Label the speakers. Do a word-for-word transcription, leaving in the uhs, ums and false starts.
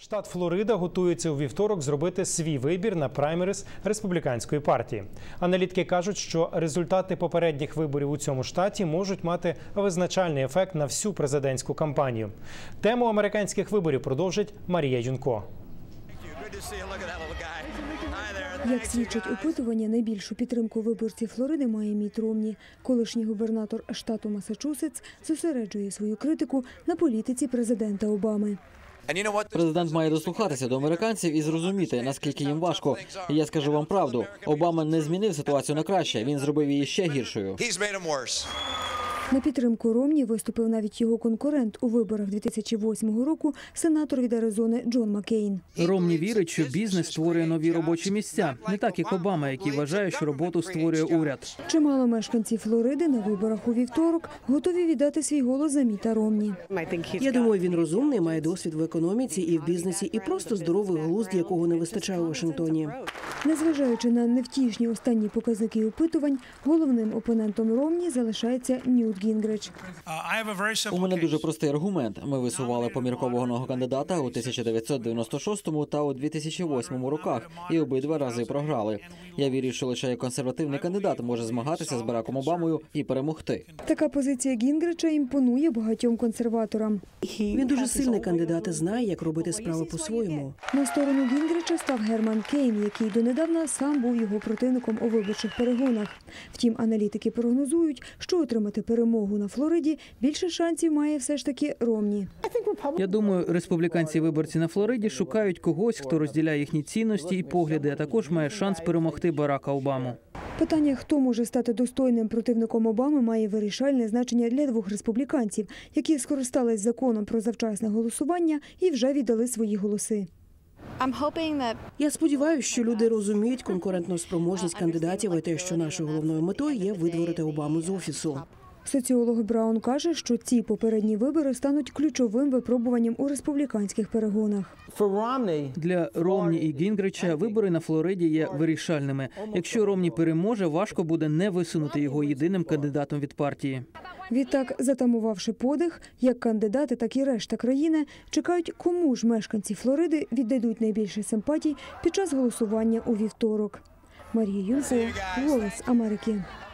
Speaker 1: Штат Флорида готується у вівторок зробити свій вибір на праймерис республіканської партії. Аналітики кажуть, що результати попередніх виборів у цьому штаті можуть мати визначальний ефект на всю президентську кампанію. Тему американських виборів продовжить Марія Юнко.
Speaker 2: Як свідчать опитування, найбільшу підтримку виборців Флориди має Мітт Ромні. Колишній губернатор штату Массачусетс зосереджує свою критику на політиці президента Обами.
Speaker 3: Президент має дослухатися до американців і зрозуміти, наскільки їм важко. І я скажу вам правду, Обама не змінив ситуацію на краще, він зробив її ще гіршою.
Speaker 2: На підтримку Ромні виступив навіть його конкурент у виборах дві тисячі восьмого року, сенатор від Аризони Джон Маккейн.
Speaker 4: Ромні вірить, що бізнес створює нові робочі місця, не так як Обама, який вважає, що роботу створює уряд.
Speaker 2: Чимало мешканців Флориди на виборах у вівторок готові віддати свій голос за Мітта Ромні.
Speaker 5: Я думаю, він розумний, має досвід в економіці і в бізнесі, і просто здоровий глузд, якого не вистачає у Вашингтоні.
Speaker 2: Незважаючи на невтішні останні показники опитувань, головним опонентом Ромні залишається Ньют Гінгрич.
Speaker 3: У мене дуже простий аргумент. Ми висували поміркованого кандидата у тисяча дев'ятсот дев'яносто шостому та у дві тисячі восьмому роках, і обидва рази програли. Я вірю, що лише як консервативний кандидат може змагатися з Бараком Обамою і перемогти.
Speaker 2: Така позиція Гінгрича імпонує багатьом консерваторам.
Speaker 5: Він дуже сильний кандидат і знає, як робити справи по-своєму.
Speaker 2: На сторону Гінгрича став Герман Кейн, який донедавна сам був його противником у виборчих перегонах. Втім, аналітики прогнозують, що отримати перемогу на Флориді більше шансів має все ж таки Ромні.
Speaker 4: Я думаю, республіканці-виборці на Флориді шукають когось, хто розділяє їхні цінності і погляди, а також має шанс перемогти Барака Обаму.
Speaker 2: Питання, хто може стати достойним противником Обами, має вирішальне значення для двох республіканців, які скористались законом про завчасне голосування і вже віддали свої голоси.
Speaker 5: Я сподіваюся, що люди розуміють конкурентну спроможність кандидатів і те, що нашою головною метою є видворити Обаму з офісу.
Speaker 2: Соціолог Браун каже, що ці попередні вибори стануть ключовим випробуванням у республіканських перегонах.
Speaker 4: Для Ромні і Гінгрича вибори на Флориді є вирішальними. Якщо Ромні переможе, важко буде не висунути його єдиним кандидатом від партії.
Speaker 2: Відтак, затамувавши подих, як кандидати, так і решта країни чекають, кому ж мешканці Флориди віддадуть найбільше симпатій під час голосування у вівторок. Марія Юнко, «Голос Америки».